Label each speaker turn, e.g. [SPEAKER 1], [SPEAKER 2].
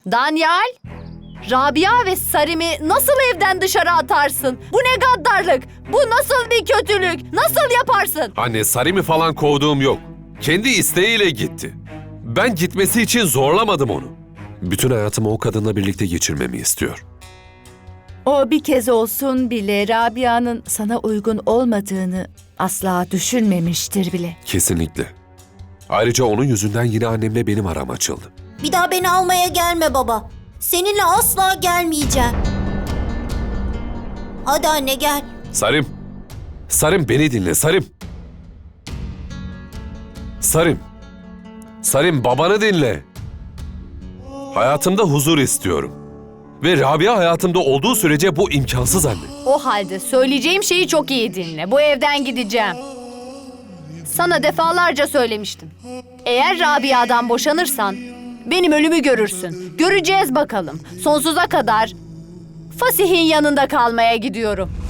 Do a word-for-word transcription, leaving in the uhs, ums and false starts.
[SPEAKER 1] Danyal, Rabia ve Sarim'i nasıl evden dışarı atarsın? Bu ne gaddarlık? Bu nasıl bir kötülük? Nasıl yaparsın?
[SPEAKER 2] Anne, Sarim'i falan kovduğum yok. Kendi isteğiyle gitti. Ben gitmesi için zorlamadım onu. Bütün hayatımı o kadınla birlikte geçirmemi istiyor.
[SPEAKER 3] O bir kez olsun bile Rabia'nın sana uygun olmadığını asla düşünmemiştir bile.
[SPEAKER 2] Kesinlikle. Ayrıca onun yüzünden yine annemle benim aram açıldı.
[SPEAKER 4] Bir daha beni almaya gelme baba. Seninle asla gelmeyeceğim. Hadi anne gel.
[SPEAKER 2] Sarim! Sarim, beni dinle, Sarim! Sarim! Sarim, babanı dinle. Hayatımda huzur istiyorum. Ve Rabia hayatımda olduğu sürece bu imkansız anne.
[SPEAKER 1] O halde söyleyeceğim şeyi çok iyi dinle. Bu evden gideceğim. Sana defalarca söylemiştim. Eğer Rabia'dan boşanırsan benim ölümü görürsün. Göreceğiz bakalım. Sonsuza kadar Fasih'in yanında kalmaya gidiyorum.